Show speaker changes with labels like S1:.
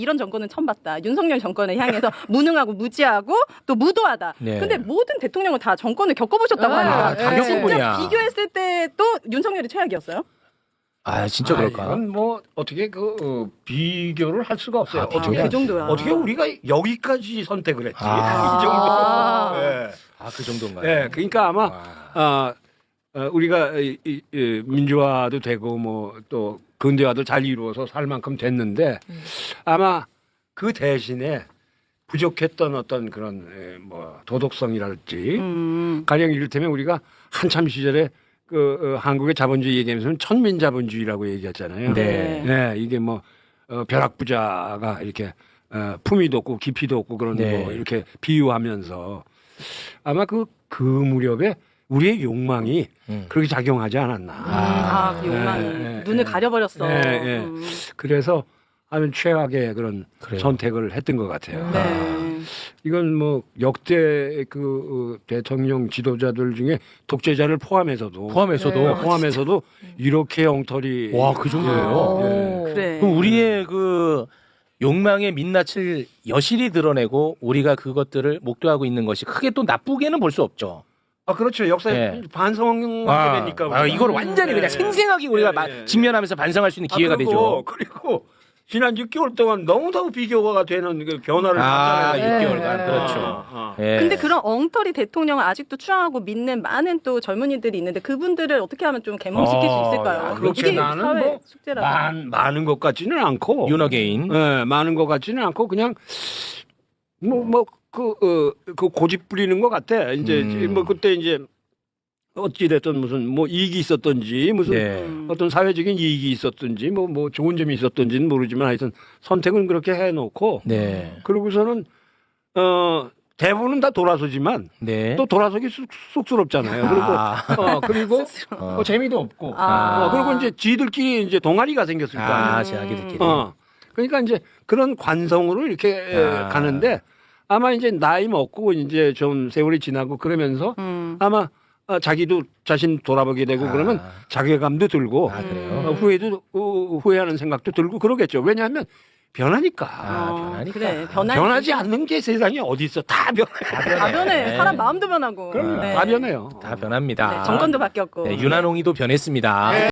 S1: 이런 정권은 처음 봤다. 윤석열 정권을 향해서 무능하고 무지하고 또 무도하다.
S2: 네.
S1: 근데 모든 대통령은 다 정권을 겪어보셨다고 하니까
S2: 다 겪어보냐.
S1: 진짜 비교했을 때 또 윤석열이 최악이었어요?
S2: 아 진짜 그럴까?
S3: 이건 뭐 어떻게 비교를 할 수가 없어요. 어떻게
S1: 그 정도야.
S3: 어떻게 우리가 여기까지 선택을 했지?
S2: 아.
S3: 이 정도.
S1: 아.
S3: 예.
S2: 그 정도인가요?
S3: 예. 그러니까 아마
S2: 와.
S3: 우리가 민주화도 되고 뭐 또 근대화도 잘 이루어서 살 만큼 됐는데 아마 그 대신에 부족했던 어떤 그런 뭐 도덕성이랄지 가령 이를테면 우리가 한참 시절에 한국의 자본주의 얘기하면서는 천민자본주의라고 얘기했잖아요.
S2: 네.
S3: 네, 이게 뭐 벼락부자가 이렇게 품위도 없고 깊이도 없고 그런
S2: 네.
S3: 거 이렇게 비유하면서 아마 그 무렵에 우리의 욕망이 그렇게 작용하지 않았나.
S1: 그 욕망이 눈을 가려버렸어.
S3: 네. 그래서 아주 최악의 그런
S2: 그래요.
S3: 선택을 했던 것 같아요.
S1: 네.
S3: 이건 뭐 역대 대통령 지도자들 중에 독재자를 포함해서도 이렇게 엉터리
S2: 와, 그 정도예요?
S3: 예.
S1: 그래.
S2: 그럼 우리의 그 욕망의 민낯을 여실히 드러내고 우리가 그것들을 목도하고 있는 것이 크게 또 나쁘게는 볼 수 없죠.
S3: 아 그렇죠. 역사에
S2: 네.
S3: 반성하게 되니까
S2: 이걸 완전히 그냥 생생하게 우리가 직면하면서 반성할 수 있는 기회가 되죠.
S3: 그리고 지난 6개월 동안 너무너무 비교가 되는 그 변화를 봤잖아요.
S2: 6개월간 그렇죠. 예.
S1: 근데 그런 엉터리 대통령을 아직도 추앙하고 믿는 많은 또 젊은이들이 있는데 그분들을 어떻게 하면 좀 개몽시킬 수 있을까요?
S3: 그렇게
S1: 이게
S3: 나는
S1: 사회
S3: 뭐
S1: 숙제라서.
S3: 많은 것 같지는 않고
S2: 윤어게인.
S3: 예, 많은 것 같지는 않고 그냥 그 고집 부리는 것 같아. 이제 뭐 그때 이제 어찌 됐든 무슨 뭐 이익이 있었던지 무슨
S2: 네.
S3: 어떤 사회적인 이익이 있었던지 뭐 좋은 점이 있었던지는 모르지만 하여튼 선택은 그렇게 해놓고
S2: 네.
S3: 그러고서는 대부분은 다 돌아서지만
S2: 네.
S3: 또 돌아서기 쑥스럽잖아요. 그리고 재미도 없고 그리고 이제 지들끼리 이제 동아리가 생겼을 거 아니에요.
S2: 자기들끼리.
S3: 그러니까 이제 그런 관성으로 이렇게 가는데 아마 이제 나이 먹고 이제 좀 세월이 지나고 그러면서 아마 자기도 자신 돌아보게 되고 그러면 자괴감도 들고
S2: 그래요?
S3: 후회하는 생각도 들고 그러겠죠. 왜냐하면 변하니까.
S2: 변하니까.
S1: 그래,
S3: 변하지 않는 게 세상에 어디 있어? 다 변해.
S1: 다 변해. 사람 마음도 변하고.
S3: 그럼 다 변해요.
S2: 다 변합니다.
S1: 네, 정권도 바뀌었고.
S2: 네, 윤한홍이도 변했습니다.